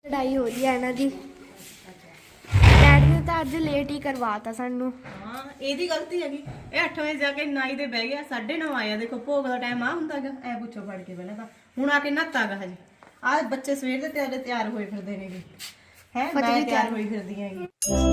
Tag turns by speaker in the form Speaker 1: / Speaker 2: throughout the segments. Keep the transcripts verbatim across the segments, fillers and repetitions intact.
Speaker 1: लड़ाई हो रही है इन्हां दी। डैडी ने तो अज लेट ही करवाता सानू।
Speaker 2: हाँ ਇਹਦੀ ਗਲਤੀ ਹੈਗੀ। ਇਹ ਅੱਠ ਵਜੇ ਜਾ ਕੇ ਨਾਈ ਦੇ ਬਹਿ ਗਿਆ, ਸਾਢੇ ਨੌ ਆਇਆ। ਦੇਖੋ ਭੋਗ ਦਾ ਟਾਈਮ ਆ ਹੁੰਦਾਗਾ। ਐ ਪੁੱਛੋ ਫੜ ਕੇ ਪਹਿਲਾਂ ਤਾਂ ਹੁਣ ਆ ਕੇ ਨਹਾਤਾਗਾ ਹਜੇ। ਆਹ ਬੱਚੇ ਸਵੇਰ ਦੇ ਤਿਆਰ ਤਿਆਰ ਹੋਏ ਫਿਰਦੇ ਨੇਗੇ ਹੈ। ਮੈਂ ਤਿਆਰ ਹੋਈ ਫਿਰਦੀ ਹੈਗੀ।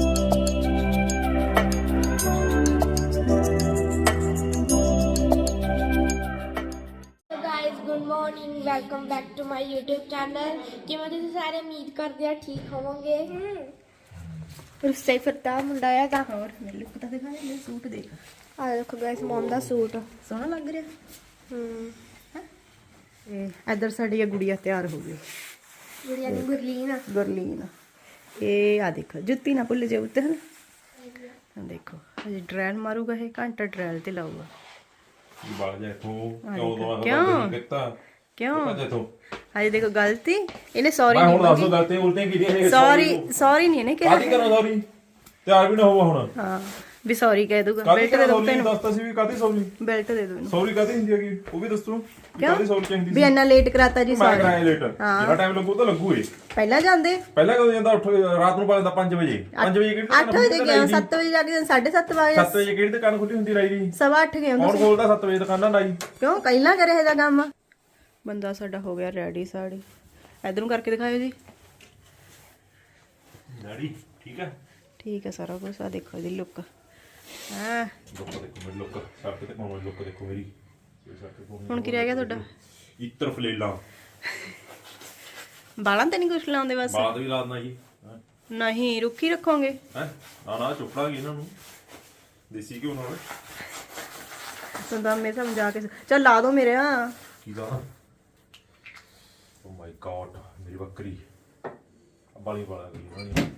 Speaker 1: Good morning, welcome back to my YouTube channel. किवें तुसीं सारे उम्मीद करदे आ ठीक होवोगे। रुस्से फिरदा मुंडा हैगा।
Speaker 2: और मेरे लुक ਤਾਂ ਦਿਖਾ ਦੇ, ਸੂਟ ਦੇਖ।
Speaker 1: आ देखो गाइस मॉम ਦਾ सूट
Speaker 2: ਸੋਹਣਾ ਲੱਗ ਰਿਹਾ।
Speaker 1: ਹਮ
Speaker 2: ਇਹ ਇੱਧਰ ਸਾਡੀ ਗੁੜੀਆ ਤਿਆਰ ਹੋ ਗਈ।
Speaker 1: ਗੁੜੀਆ ਦੀ ਗੁਰਲੀਨ
Speaker 2: ਗੁਰਲੀਨ ਇਹ ਆ ਦੇਖੋ, ਜੁੱਤੀ ਨਾ ਭੁੱਲ ਜਾਓ ਉੱਤੇ। ਦੇਖੋ ਹਜੇ ਡਰੈਲ ਮਾਰੂਗਾ, ਇਹ ਘੰਟਾ ਡਰੈਲ ਤੇ ਲਾਊਗਾ।
Speaker 3: ਬਾਲ ਜਾ ਇਥੋਂ ਕਿਉਂ ਦੋਵਾਂ
Speaker 2: ਕਿਉਂ?
Speaker 3: ਦਾ ਕੀਤਾ
Speaker 2: ਕਿਉਂ
Speaker 3: ਭੱਜ ਇਥੋਂ।
Speaker 2: ਹਜੇ ਦੇਖੋ ਗਲਤੀ ਇਹਨੇ ਸੌਰੀ
Speaker 3: ਮੈਂ
Speaker 2: ਨਹੀਂ
Speaker 3: ਹੁਣ ਦੱਸੋ ਗਲਤੀ ਉਲਟੀਆਂ ਕੀਤੀਆਂ ਇਹ
Speaker 2: ਸੌਰੀ ਸੌਰੀ ਨਹੀਂ ਇਹਨੇ ਕਿਹਾ।
Speaker 3: ਕਾਹਦੀ ਕਰੋ ਸੌਰੀ, ਤਿਆਰ ਵੀ ਨਾ ਹੋਵਾ ਹੁਣ।
Speaker 2: ਹਾਂ ਵੀ ਸੌਰੀ ਕਹਿ ਦੂਗਾ।
Speaker 3: ਕਾਹਦੀ
Speaker 2: ਬੈਲਟ ਦੇ ਦੋ
Speaker 3: ਸੌਰੀ
Speaker 2: ਤੈਨੂੰ,
Speaker 3: ਦੱਸਤਾ ਸੀ ਵੀ ਕਾਹਦੀ ਸੌਰੀ।
Speaker 2: ਬੈਲਟ ਦੇ ਦੋ ਇਹਨੂੰ।
Speaker 3: ਸੌਰੀ ਕਾਹਦੀ ਹੁੰਦੀ ਹੈਗੀ ਉਹ ਵੀ ਦੱਸੋ। ਕਾਹਦੀ ਸੌਰੀ ਚਾਹੀਦੀ
Speaker 2: ਵੀ
Speaker 3: ਸੀ।
Speaker 2: ਇੰਨਾ ਲੇਟ ਕਰਾਤਾ ਜੀ
Speaker 3: ਮੈਂ
Speaker 2: ਸੌਰੀ।
Speaker 3: ਕਰਾਇਆ ਲੇਟ, ਜਿਹੜਾ ਟਾਈਮ ਲੱਗੂ ਤਾਂ ਲੱਗੂ ਏ।
Speaker 2: ਪਹਿਲਾਂ ਜਾਂਦੇ
Speaker 3: ਪਹਿਲਾਂ ਕਦੋਂ ਜਾਂਦਾ? ਉੱਠ ਰਾਤ ਨੂੰ ਪਾਉਂਦਾ ਪੰਜ ਵਜੇ। ਪੰਜ ਵਜੇ ਕਿਹੜੀ
Speaker 2: ਅੱਠ ਵਜੇ ਗਿਆ, ਸੱਤ ਵਜੇ ਜਾ ਕੇ ਸਾਢੇ ਸੱਤ ਵਜੇ
Speaker 3: ਸੱਤ ਵਜੇ ਕਿਹੜੀ ਦੁਕਾਨ ਖੁੱਲੀ ਹੁੰਦੀ ਰਾਈ ਦੀ?
Speaker 2: ਸਵਾ ਅੱਠ ਗਏ
Speaker 3: ਕੌਣ ਖੋਲਦਾ ਸੱਤ ਵਜੇ ਦੁਕਾਨਾਂ ਲਾਈ?
Speaker 2: ਕਿਉਂ ਪਹਿਲਾਂ ਕਰੇ ਇਹਦਾ ਕੰਮ। ਬੰਦਾ ਸਾਡਾ ਹੋ ਗਿਆ ਰੈਡੀ। ਸਾੜੀ ਇਧਰ ਨੂੰ ਕਰਕੇ ਦਿਖਾਇਓ ਜੀ।
Speaker 3: ਡੈਡੀ ਠੀਕ ਹੈ,
Speaker 2: ਠੀਕ ਹੈ ਸਾਰਾ ਕੁਝ। ਆ ਦੇਖੋ ਇਹਦੀ ਲੁੱਕ। ਹਾਂ
Speaker 3: ਲੁੱਕ ਦੇਖੋ ਮੇਰੀ ਲੁੱਕ, ਸੱਟ ਤੇ ਪਾਉਣ ਲੁੱਕ ਦੇਖੋ ਮੇਰੀ।
Speaker 2: ਹੁਣ ਕੀ ਰਹਿ ਗਿਆ ਤੁਹਾਡਾ?
Speaker 3: ਇੱਤਰ ਫਲੇਲਾ
Speaker 2: ਬਾਲਾਂ ਤੇ ਨਹੀਂ ਕੁਛ ਲਾਉਂਦੇ ਬਸ?
Speaker 3: ਬਾਦ ਵੀ ਲਾਦਣਾ ਜੀ।
Speaker 2: ਨਹੀਂ ਰੁੱਖੀ ਰੱਖੋਗੇ।
Speaker 3: ਹੈ ਨਾ ਨਾ ਚੁੱਪੜਾਂਗੇ ਇਹਨਾਂ ਨੂੰ ਦੇਸੀ ਘਿਓ ਨਾਲ।
Speaker 2: ਸੰਦਾਮੇ ਸਮਝਾ ਕੇ ਚੱਲ ਲਾ ਦੋ ਮੇਰੇ। ਆ
Speaker 3: ਕੀ ਦਾ? ਓ ਮਾਈ ਗॉड ਮੇਰੀ ਬੱਕਰੀ ਬਾਲੀ ਬਾਲਾ ਗਈ ਉਹਨਾਂ ਨੇ।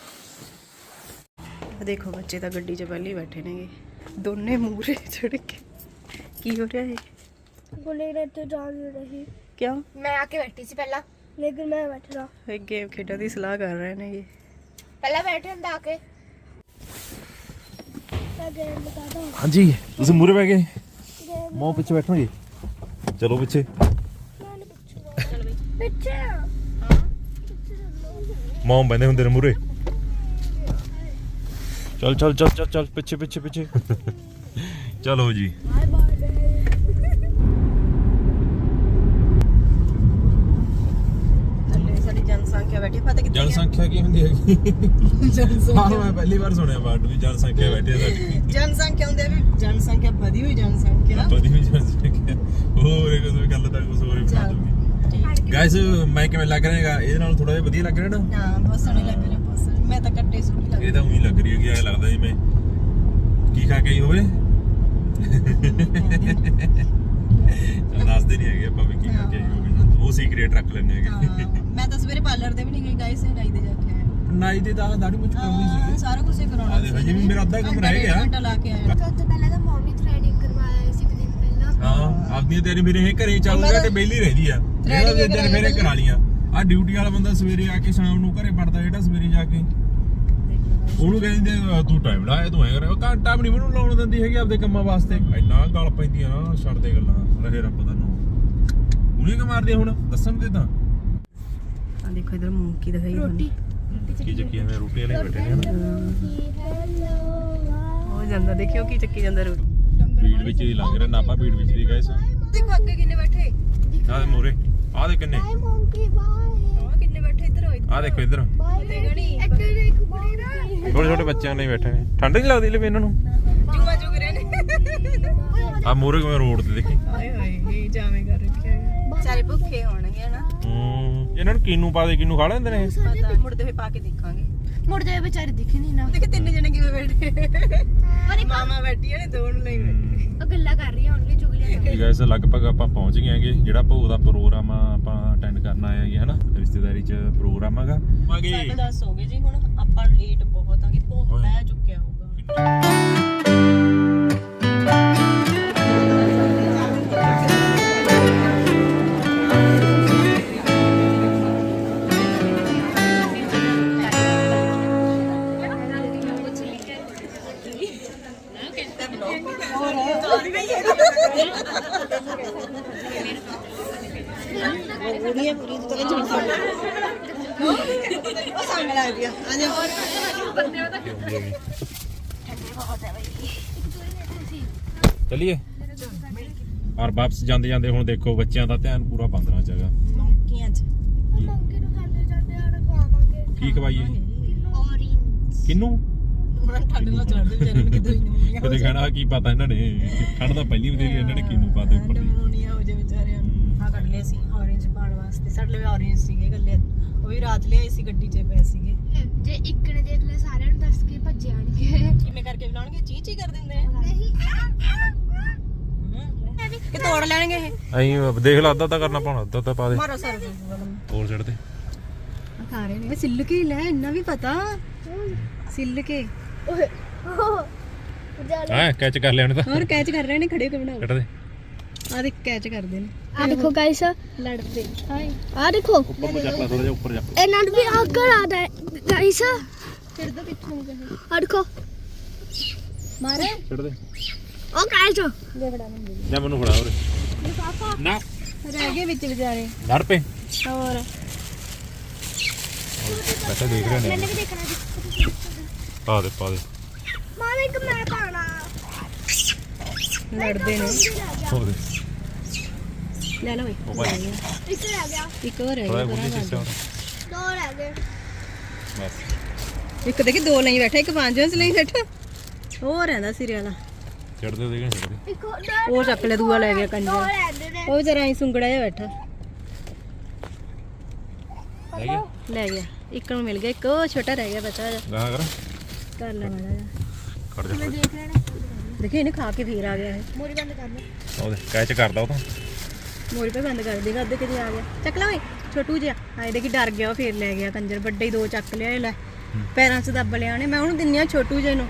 Speaker 2: ਦੇਖੋ ਬੱਚੇ ਤਾਂ ਗੱਡੀ 'ਚ ਪਹਿਲੇ ਹੀ ਬੈਠੇ ਨੇਗੇ, ਦੋਨੇ ਮੂਹਰੇ ਚੜ ਕੇ। ਕੀ ਹੋ ਰਿਹਾ ਹੈ?
Speaker 1: बोले रे तो जा नहीं रही।
Speaker 2: ਕਿਉਂ?
Speaker 1: मैं आके बैठी सी पहला, लेकिन मैं बैठ रहा
Speaker 2: ਇਹ ਗੇਮ ਖੇਡਣ ਦੀ ਸਲਾਹ ਕਰ ਰਹੇ ਨੇਗੇ।
Speaker 1: पहला बैठे अंदर आके। मैं गेम बता दूं।
Speaker 3: ਹਾਂਜੀ ਤੁਸੀਂ ਮੂਹਰੇ ਬਹਿ ਗਏ, ਮੋਂ ਪਿੱਛੇ ਬੈਠੋਗੇ। ਚਲੋ ਪਿੱਛੇ।
Speaker 1: पीछे
Speaker 3: ਮੋਂ ਬੰਦੇ ਹੁੰਦੇ ਨੇ ਮੂਹਰੇ। ਚੱਲ ਚੱਲ ਚੱਲ ਚੱਲ ਚੱਲ ਪਿੱਛੇ ਪਿੱਛੇ ਪਿੱਛੇ। ਚਲੋ ਜੀ।
Speaker 2: ਸਾਡੀ ਜਨਸੰਖਿਆ ਬੈਠੀ ਪਤਾ ਕਿੱਥੇ?
Speaker 3: ਜਨਸੰਖਿਆ ਕੀ ਹੁੰਦੀ ਹੈਗੀ?
Speaker 2: ਜਨਸੰਖਿਆ
Speaker 3: ਹਾਂ ਮੈਂ ਪਹਿਲੀ ਵਾਰ ਸੁਣਿਆ ਵਰਡ ਵੀ ਜਨਸੰਖਿਆ ਬੈਠੀ ਹੈ ਸਾਡੀ।
Speaker 2: ਜਨਸੰਖਿਆ ਹੁੰਦੀ ਹੈ ਵੀ ਜਨਸੰਖਿਆ ਵਧੀ ਹੋਈ ਜਨਸੰਖਿਆ।
Speaker 3: ਵਧੀ ਹੋਈ ਜਨਸੰਖਿਆ ਹੋਰ ਇਹ ਕੋਈ ਗੱਲ ਤਾਂ ਕੁਝ ਹੋਰ ਹੀ ਬਣਾ ਦੂਗੀ। ਗਾਇਸ ਮੈਂ ਕਿਵੇਂ ਲੱਗ ਰਿਹਾ ਹੈਗਾ? ਇਹਦੇ ਨਾਲ ਥੋੜਾ ਜਿਹਾ ਵਧੀਆ ਲੱਗ ਰਿਹਾ ਨਾ?
Speaker 2: ਹਾਂ ਬਹੁਤ ਸੋਹਣੀ ਲੱਗ ਰਹੀ ਹੈ, ਬਹੁਤ ਸੋਹਣੀ। ਮੈਂ ਤਾਂ ਕੱਟੇ ਸੋਹਣੀ ਲੱਗ ਰਹੀ।
Speaker 3: ਇਹ ਤਾਂ ਉਹੀ ਲੱਗ ਰਹੀ ਹੈਗੀ, ਐ ਲੱਗਦਾ ਜਿਵੇਂ ਕੀ ਖਾ ਕੇ ਆਈ ਹੋਵੇ। ਦੱਸਦੇ ਨਹੀਂ ਹੈਗੇ ਆਪਾਂ ਵੀ ਕੀ ਖਾ ਕੇ ਆਈ ਹੋਵੇ, ਉਹ ਸੀਕ੍ਰੇਟ ਰੱਖ ਲੈਂਦੇ ਹੈਗੇ।
Speaker 2: ਮੈਂ ਤਾਂ ਸਵੇਰੇ ਪਾਰਲਰ ਦੇ ਵੀ ਨਹੀਂ ਗਈ ਗਾਇਸ, ਨਾਈ ਦੇ ਜਾ ਕੇ ਆਇਆ।
Speaker 3: ਨਾਈ ਦੇ ਤਾਂ ਦਾੜੀ ਮੁੱਛ ਕਰਾਉਣੀ ਸੀਗੀ।
Speaker 2: ਸਾਰਾ ਕੁਝ ਹੀ ਕਰਾਉਣਾ ਸੀ।
Speaker 3: ਹਜੇ ਵੀ ਮੇਰਾ ਅੱਧਾ ਕੰਮ ਰਹਿ ਗਿਆ।
Speaker 2: ਘੰਟਾ ਲਾ ਕੇ ਆਇਆ।
Speaker 1: तो पहले तो मम्मी थ्रेडिंग करवाया सी एक दिन पहला।
Speaker 3: ਹਾਂ ਆਪਣੀ ਤੇਰੀ ਮੇਰੇ ਇਹ ਘਰੇ ਚੱਲੂਗਾ ਤੇ ਬੇਲੀ ਰਹਿੰਦੀ ਆ। ਜਿਹੜਾ ਦੇ ਦਿਨ ਮੇਰੇ ਕਰਾ ਲੀਆਂ। ਆ ਡਿਊਟੀ ਵਾਲਾ ਬੰਦਾ ਸਵੇਰੇ ਆ ਕੇ ਸ਼ਾਮ ਨੂੰ ਘਰੇ ਪੜਦਾ, ਜਿਹੜਾ ਸਵੇਰੇ ਜਾ ਕੇ ਉਹਨੂੰ ਕਹਿੰਦੇ ਤੂੰ ਟਾਈਮ ਲਾਇਆ, ਤੂੰ ਐ ਕਰਿਆ। ਘੰਟਾ ਵੀ ਨਹੀਂ ਮੈਨੂੰ ਲਾਉਣ ਦਿੰਦੀ ਹੈਗੀ ਆਪਦੇ ਕੰਮਾਂ ਵਾਸਤੇ। ਇੰਨਾ ਗਲ ਪੈਂਦੀਆਂ ਨਾ, ਛੱਡ ਦੇ ਗੱਲਾਂ। ਰਹੇ ਰੱਬ ਦਾ ਨਾਮ ਉਹਨੇ ਕਿ ਮਾਰਦੇ ਹੁਣ ਦੱਸਣ ਦੇ ਤਾਂ।
Speaker 2: ਆ ਦੇਖੋ ਇਧਰ ਮੂੰਹ ਕੀ ਦਿਖਾਈ ਰੋਟੀ
Speaker 3: ਕੀ ਚੱਕੀ ਜਾਂਦੇ ਰੋਟੀ ਵਾਲੇ ਬੈਠੇ ਨੇ ਹਨਾ।
Speaker 2: ਹੋ ਜਾਂਦਾ ਦੇਖਿਓ ਕੀ ਚੱਕੀ ਜਾਂਦਾ ਰੋਟੀ।
Speaker 3: ਭੀੜ ਵਿੱਚ ਹੀ ਲੰਘ ਰਿਹਾ ਨਾਪਾ, ਭੀੜ ਵਿੱਚ ਦੀ ਗਏ ਸਾਂ।
Speaker 2: ਦੇਖੋ ਅੱਗੇ ਕਿੰਨੇ ਬੈਠੇ।
Speaker 3: ਆਹ ਮੋਰੇ ਆਹ ਦੇ ਕਿੰਨੇ
Speaker 1: मोंकी बाय
Speaker 2: ਆ ਕਿੰਨੇ ਬੈਠੇ ਇੱਧਰ ਹੋਏ।
Speaker 3: ਆਹ ਦੇਖੋ ਇੱਧਰ
Speaker 1: ਇੱਧਰ ਇੱਕ ਕੁੜੀ ਨਾ
Speaker 3: ਛੋਟੇ ਛੋਟੇ ਬੱਚਿਆਂ ਨੇ ਬੈਠੇ ਨੇ। ਠੰਡ ਨਹੀਂ ਲੱਗਦੀ ਲੈ ਇਹਨਾਂ ਨੂੰ?
Speaker 2: ਜੂਆ ਜੁਗ ਰਹੇ ਨੇ।
Speaker 3: ਆ ਮੋਰੇ ਕਿਵੇਂ ਰੋਡ ਤੇ ਦੇਖੀ।
Speaker 2: ਹਾਏ ਹਾਏ ਇਹ ਜਾਵੇਂ ਕਰ ਰੱਖਿਆ ਹੈ। ਸਾਰੇ ਭੁੱਖੇ ਹੋਣਗੇ ਨਾ।
Speaker 3: ਹੂੰ ਇਹਨਾਂ ਨੂੰ ਕੀਨੂ ਪਾ ਦੇ, ਕੀਨੂ ਖਾ ਲੈਂਦੇ ਨੇ।
Speaker 2: ਪਤਾ ਮੁੜਦੇ ਹੋਏ ਪਾ ਕੇ ਦੇਖਾਂਗੇ।
Speaker 1: ਮੁੜ ਜਾਏ ਵਿਚਾਰੇ ਦਿਖੇ ਨਹੀਂ ਨਾ।
Speaker 2: ਦੇਖ ਤਿੰਨ ਜਣੇ ਕਿਵੇਂ ਬੈਠੇ। ਮਾਮਾ ਬੈਠੀ ਨੇ, ਦੋ ਨੂੰ ਲਈ ਬੈਠੇ।
Speaker 1: ਉਹ ਗੱਲਾਂ ਕਰ ਰਹੀ ਓਨਲੀ ਚੁਗਲੀਆਂ ਕਰ।
Speaker 3: ਗਾਇਸ ਲਗਭਗ ਆਪਾਂ ਪਹੁੰਚ ਗਏ ਹੈਗੇ। ਜਿਹੜਾ ਭੋਗ ਦਾ ਪ੍ਰੋਗਰਾਮ ਆ ਆਪਾਂ ਅਟੈਂਡ ਕਰਨ ਆਏ ਹੈਗੇ ਹਨਾ, ਰਿਸ਼ਤੇਦਾਰੀ ਚ ਪ੍ਰੋਗਰਾਮ ਹੈਗਾ।
Speaker 2: ਸਾਢੇ ਦਸ ਹੋ ਗਏ ਜੀ, ਹੁਣ ਆਪਾਂ ਲੇਟ ਬਹੁਤ ਆਂਗੇ। ਭੋਗ ਪੈ ਚੁੱਕਿਆ ਹੋਊਗਾ। पूरी पूरी तो ਭੰਗ ਲੱਗਦੀ ਆ ਆ ਜਾ
Speaker 3: ਚਲਿਏ ਔਰ ਵਾਪਸ ਜਾਂਦੇ ਜਾਂਦੇ ਹੁਣ ਦੇਖੋ ਬੱਚਿਆਂ ਦਾ ਧਿਆਨ ਪੂਰਾ ਬੰਦਰਾਂ ਚ ਹੈਗਾ
Speaker 2: ਮੰਕੀਆਂ ਚ
Speaker 1: ਮੰਗੇ ਨੂੰ ਖਾਂਦੇ ਜਾਂਦੇ ਆੜ ਖਵਾਵਾਂਗੇ
Speaker 3: ਕੀ ਖਵਾਈਏ
Speaker 1: ਔਰੇਂਜ
Speaker 3: ਕਿੰਨੂੰ
Speaker 2: ਉਹਨਾਂ ਠੰਡ ਨਾਲ ਚੜਦੇ ਵਿਚਾਰੇ ਨੂੰ ਕਿਦੋਂ ਹੀ ਨਮੂਨੀਆ
Speaker 3: ਕਦੇ ਕਹਿਣਾ ਕੀ ਪਤਾ ਇਹਨਾਂ ਨੇ ਠੰਡ ਤਾਂ ਪਹਿਲੀ ਵਧੇਰੀ ਇਹਨਾਂ ਨੇ ਕਿਨੂੰ ਪਾਤੇ ਉੱਪਰ ਦੀ
Speaker 2: ਨਮੂਨੀਆ ਹੋ ਜਾ ਵਿਚਾਰਿਆਂ ਨੂੰ ਆ ਕੱਢ ਲਿਆ ਸੀ ਔਰੇਂਜ ਪਾਣ ਵਾਸਤੇ ਸਾਡੇ ਲਈ ਔਰੇਂਜ ਸੀਗੇ ਗੱਲੇ ਉਹ ਵੀ ਰਾਤ ਲਿਆਏ ਸੀ ਗੱਡੀ 'ਚ ਪਏ ਸੀਗੇ
Speaker 1: ਜੇ ਇੱਕ ਨੇ ਦੇਖ ਲੈ ਸਾਰਿਆਂ ਨੂੰ ਦੱਸ ਕੇ ਭੱਜ ਜਾਣਗੇ
Speaker 2: ਕਿਵੇਂ ਕਰਕੇ ਬੁਲਾਉਣਗੇ ਚੀ ਚੀ ਕਰ ਦਿੰਦੇ ਆ
Speaker 1: ਨਹੀਂ
Speaker 2: ਕਿ ਤੋੜ ਲੈਣਗੇ ਇਹ
Speaker 3: ਐਂ ਦੇਖ ਲਾ ਅੱਧਾ ਤਾਂ ਕਰਨਾ ਪਾਉਣਾ ਅੱਧਾ ਤਾਂ ਪਾ ਦੇ
Speaker 2: ਮਾਰੋ ਸਰ
Speaker 3: ਹੋਰ ਛੱਡ ਦੇ
Speaker 2: ਖਾ ਰਹੇ ਨੇ ਸਿੱਲ ਕੇ ਲੈ ਇੰਨਾ ਵੀ ਪਤਾ ਸਿੱਲ ਕੇ
Speaker 1: ਓਏ ਜਾਲ
Speaker 3: ਹਾਂ ਕੈਚ ਕਰ ਲਿਆ ਉਹਨੇ ਤਾਂ
Speaker 2: ਹੋਰ ਕੈਚ ਕਰ ਰਹੇ ਨੇ ਖੜੇ ਹੋ ਕੇ ਬਣਾਓ
Speaker 3: ਛੱਡ ਦੇ
Speaker 2: ਆ ਦੇਖ ਕੈਚ ਕਰਦੇ ਨੇ
Speaker 1: ਆ ਦੇਖੋ ਗਾਇਸ ਲੜਦੇ ਆ ਦੇਖੋ
Speaker 3: ਉੱਪਰ ਨੂੰ ਚੱਕ ਲੈ ਥੋੜਾ ਜਿਹਾ ਉੱਪਰ ਚੱਕ
Speaker 1: ਇਹਨਾਂ ਨੂੰ ਵੀ ਅੱਗ ਲਾ ਦੇ ਗਾਇਸ
Speaker 2: ਫਿਰ ਦੋ ਪਿੱਛੋਂ
Speaker 1: ਆ ਦੇਖੋ
Speaker 2: ਮਾਰੇ
Speaker 3: ਛੱਡ ਦੇ
Speaker 1: ਉਹ ਗਾਇਸ
Speaker 2: ਦੇ ਫੜਾ ਮੈਨੂੰ
Speaker 3: ਜਾਂ ਮੈਨੂੰ ਫੜਾ ਉਰੇ ਨਾ
Speaker 2: ਰਹਿ ਗਏ ਵਿੱਚ ਵਿਚਾਰੇ
Speaker 3: ਲੜ ਪੇ
Speaker 2: ਹੋਰ
Speaker 3: ਬੈਠਾ ਦੇਖ ਰਹੇ ਨੇ
Speaker 1: ਮੈंने भी देखना है
Speaker 3: ਪਾ ਦੇ ਪਾ ਦੇ
Speaker 1: ਮਾਰੇ ਇੱਕ ਮੈਂ ਪਾਣਾ
Speaker 2: ਲੜਦੇ ਨੇ
Speaker 3: ਹੋ ਦੇ
Speaker 2: ਲੈ ਲਓ
Speaker 3: ਉਹ ਭਾਈ
Speaker 1: ਇੱਕ ਰਹਿ ਗਿਆ
Speaker 2: ਇੱਕ ਹੋਰ
Speaker 3: ਥੋੜਾ
Speaker 2: ਹੈ
Speaker 3: ਬੁੱਢੀ ਸਿੱਸੇ ਹੁਣ
Speaker 1: ਦੋ ਰਹਿ ਗਏ
Speaker 3: ਬਸ
Speaker 2: ਇੱਕ ਦੇਖੀ ਦੋ ਲਈ ਬੈਠਾ ਇੱਕ ਪੰਜ ਵਿੱਚ ਲਈ ਬੈਠਾ ਉਹ ਰਹਿੰਦਾ ਸਿਰੇ ਵਾਲਾ
Speaker 3: ਛੱਡ ਦੇ ਦੇਖ ਛੱਡ ਦੇ
Speaker 1: ਇੱਕ ਹੋਰ
Speaker 2: ਉਹ ਚੱਕ ਲੈ ਦੂਆ ਲੈ ਗਿਆ
Speaker 1: ਦੋ
Speaker 2: ਕੰਜਾ
Speaker 1: ਰਹਿੰਦੇ ਨੇ
Speaker 2: ਉਹ ਵਿਚਾਰਾ ਐ ਸੁੰਗੜਾ ਜਿਹਾ ਬੈਠਾ
Speaker 3: ਲੈ ਗਿਆ
Speaker 2: ਲੈ ਗਿਆ ਇੱਕ ਨੂੰ ਮਿਲ ਗਿਆ ਇੱਕ ਉਹ ਛੋਟਾ ਰਹਿ ਗਿਆ ਬਚਾ ਜਾ
Speaker 3: ਗਾਹ ਕਰ
Speaker 2: ਕਰ ਲੈ ਮਾੜਾ ਜਾ
Speaker 3: ਖੜ ਜਾ
Speaker 1: ਦੇਖ ਰਹੇ ਨੇ
Speaker 2: ਦੇਖੀ ਇਹਨੇ ਖਾ ਕੇ ਫੇਰ ਆ ਗਿਆ ਇਹ
Speaker 1: ਮੋਰੀ ਬੰਦ ਕਰ ਲੈ
Speaker 3: ਉਹਦੇ ਕੈਚ ਕਰਦਾ ਉਹ ਤਾਂ
Speaker 2: ਮੋਰੀ ਪੇ ਬੰਦ ਕਰ ਦੇਗਾ ਅੱਧੇ ਕਿਤੇ ਆ ਗਿਆ ਚੱਕ ਲੈ ਓਏ ਛੋਟੂ ਜਿਹਾ ਆਏ ਦੇਖੀ ਡਰ ਗਿਆ ਉਹ ਫੇਰ ਲੈ ਗਿਆ ਕੰਜਰ ਵੱਡੇ ਹੀ ਦੋ ਚੱਕ ਲਿਆ ਇਹ ਲੈ ਪੈਰਾਂ 'ਚ ਦੱਬ ਲਿਆ ਨੇ ਮੈਂ ਉਹਨੂੰ ਦਿੰਨੀ ਆ ਛੋਟੂ ਜਿਹੇ ਨੂੰ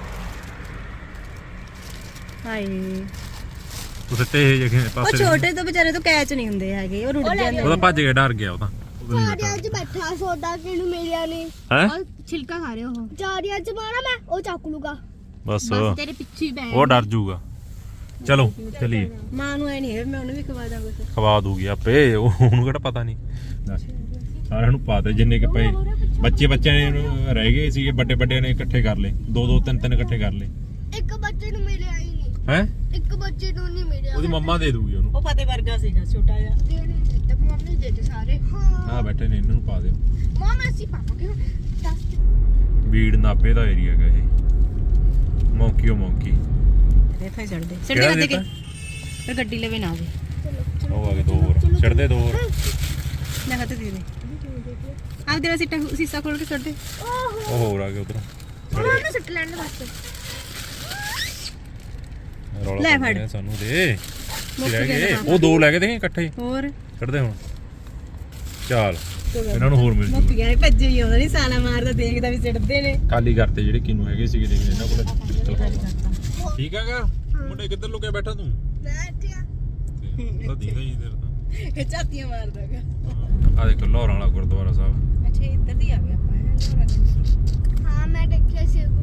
Speaker 2: ਹਾਏ
Speaker 3: ਤੂੰ ਸਿੱਤੇ ਇਹ ਜਿਹੇ
Speaker 2: ਉਹ
Speaker 3: ਪਾਸੇ
Speaker 2: ਛੋਟੇ ਤੋਂ ਵਿਚਾਰੇ ਤੋਂ ਕੈਚ ਨਹੀਂ ਹੁੰਦੇ ਹੈਗੇ ਉਹ ਰੁੜ ਜਾਂਦੇ
Speaker 3: ਉਹਦਾ ਭੱਜ ਗਿਆ ਡਰ ਗਿਆ ਉਹ ਤਾਂ
Speaker 1: ਚਾਰਿਆਂ 'ਚ ਬੈਠਾ ਸੋਡਾ ਕਿਨੂੰ ਮਿਲਿਆ ਨਹੀਂ
Speaker 3: ਹੈ
Speaker 2: ਛਿਲਕਾ ਖਾ ਰਹੇ ਉਹ
Speaker 1: ਚਾਰਿਆਂ 'ਚ ਮਾਰਾ ਮੈਂ ਉਹ ਚੱਕ ਲੂਗਾ
Speaker 3: ਬਸ
Speaker 2: ਤੇਰੇ ਪਿੱਛੇ ਬੈ
Speaker 3: ਉਹ ਡਰ ਜਾਊਗਾ ਚਲੋ ਚਲੀਏ
Speaker 2: ਮਾਂ ਨੂੰ ਐ ਨਹੀਂ ਹੈ ਮੈਂ ਉਹਨੂੰ ਵੀ ਖਵਾ ਦਾਂ ਕੁਝ
Speaker 3: ਖਵਾ ਦੂਗੀ ਆਪੇ ਉਹ- ਉਹਨੂੰ ਕਿਹੜਾ ਪਤਾ ਨਹੀਂ ਸਾਰਿਆਂ ਨੂੰ ਪਾ ਦੇ ਜਿੰਨੇ ਕਿ ਪਏ ਬੱਚੇ ਬੱਚਿਆਂ ਨੇ ਰਹਿ ਗਏ ਸੀਗੇ ਵੱਡੇ ਵੱਡਿਆਂ ਨੇ ਇਕੱਠੇ ਕਰ ਲਏ ਦੋ ਦੋ ਤਿੰਨ ਤਿੰਨ ਇਕੱਠੇ ਕਰ ਲਏ
Speaker 1: ਇੱਕ ਬੱਚੇ ਨੂੰ ਮਿਲਿਆ ਹੀ ਨਹੀਂ
Speaker 3: ਹੈ
Speaker 1: ਇੱਕ ਬੱਚੇ ਨੂੰ ਨਹੀਂ ਮਿਲਿਆ
Speaker 3: ਉਹਦੀ ਮੰਮਾ ਦੇ ਦੂਗੀ ਉਹਨੂੰ
Speaker 2: ਉਹ ਫਤਿਹ ਵਰਗਾ ਸੀਗਾ ਛੋਟਾ ਜਿਹਾ
Speaker 1: ਦੇਣੇ ਦਿੱਤੇ ਮੰਮੀ ਦੇ ਦੇ ਸਾਰੇ ਹਾਂ
Speaker 3: ਆ ਬੈਠੇ ਨੇ ਇਹਨਾਂ ਨੂੰ ਪਾ ਦਿਓ
Speaker 1: ਮਾਮਾ ਅਸੀਂ ਪਾਵਾਂਗੇ ਹੁਣ ਦਸ
Speaker 3: ਬੀੜ ਨਾਪੇ ਦਾ ਏਰੀਆ ਹੈਗਾ ਇਹ ਮੌਂਕੀ ਉਹ ਮੌਂਕੀ
Speaker 2: ਦੇ ਫਾਈ ਛੱਡ ਦੇ ਛੱਡ
Speaker 3: ਕਿਹੜਾ
Speaker 2: ਦੇ
Speaker 3: ਦਿੱਤਾ?
Speaker 2: ਫਿਰ ਗੱਡੀ ਲਵੇ ਨਾ ਆਵੇ
Speaker 3: ਉਹ ਆ ਗਏ ਦੋ ਹੋਰ ਛੱਡ ਦੇ ਦੋ ਹੋਰ
Speaker 2: ਲੈ ਹੱਥ ਦੇ ਦੇ ਆਪ ਤੇਰਾ ਸੀਟਾ ਸੀਸਾ ਖੋਲ ਕੇ ਛੱਡ ਦੇ
Speaker 1: ਓਹੋ
Speaker 3: ਉਹ ਹੋਰ ਆ ਗਏ ਉਧਰ
Speaker 1: ਉਹਨਾਂ ਨੂੰ ਸੁੱਟ ਲੈਣ ਦੇ ਬਸ
Speaker 3: ਰੌਲਾ
Speaker 2: ਲੈ
Speaker 3: ਪਾਉਂਦੇ
Speaker 2: ਫੜ।
Speaker 3: ਨੇ ਸਾਨੂੰ ਦੇ
Speaker 2: ਮੁੱਕ
Speaker 3: ਰਹਿ
Speaker 2: ਗਿਆ
Speaker 3: ਗਏ
Speaker 2: ਤਾਂ।
Speaker 3: ਉਹ ਦੋ ਲੈ ਕੇ ਦੇਖੇ ਇਕੱਠੇ
Speaker 2: ਹੋਰ
Speaker 3: ਛੱਡ ਦੇ ਹੁਣ ਚੱਲ ਇਹਨਾਂ ਨੂੰ ਹੋਰ ਮਿਲ
Speaker 2: ਮੁੱਕ
Speaker 3: ਜੂ
Speaker 2: ਗਿਆ ਇਹ ਭੱਜੇ ਹੀ ਆਉਂਦਾ ਨਹੀਂ ਸਾਲਾ ਮਾਰਦਾ ਦੇਖਦਾ ਵੀ ਸਿੱਟਦੇ ਨੇ
Speaker 3: ਕਾਲੀ ਕਰਤੇ ਜਿਹੜੇ ਕਿਨੂੰ ਹੈਗੇ ਸੀਗੇ ਦੇਖ ਇਹਨਾਂ ਕੋਲ ਪਿਸਤਲ ਪਾਉਂਦਾ ਠੀਕ ਹੈਗਾ ਮੁੰਡੇ ਕਿੱਧਰ ਲੁਕਿਆ ਬੈਠਾ ਤੂੰ
Speaker 1: ਮੈਂ ਇੱਥੇ ਆ
Speaker 3: ਤੇ ਉਹ ਦੀਦਾ ਹੀ ਤੇਰੇ ਤਾਂ
Speaker 2: ਇਹ ਝਾਤੀਆਂ ਮਾਰਦਾਗਾ
Speaker 3: ਆ ਦੇਖ ਲਾਹੌਰ ਵਾਲਾ ਗੁਰਦੁਆਰਾ ਸਾਹਿਬ
Speaker 2: ਅੱਛਾ ਇੱਧਰ ਦੀ ਆ ਗਿਆ ਆਪਾਂ
Speaker 1: ਹਾਂ ਮੈਂ ਦੇਖਿਆ ਸੀ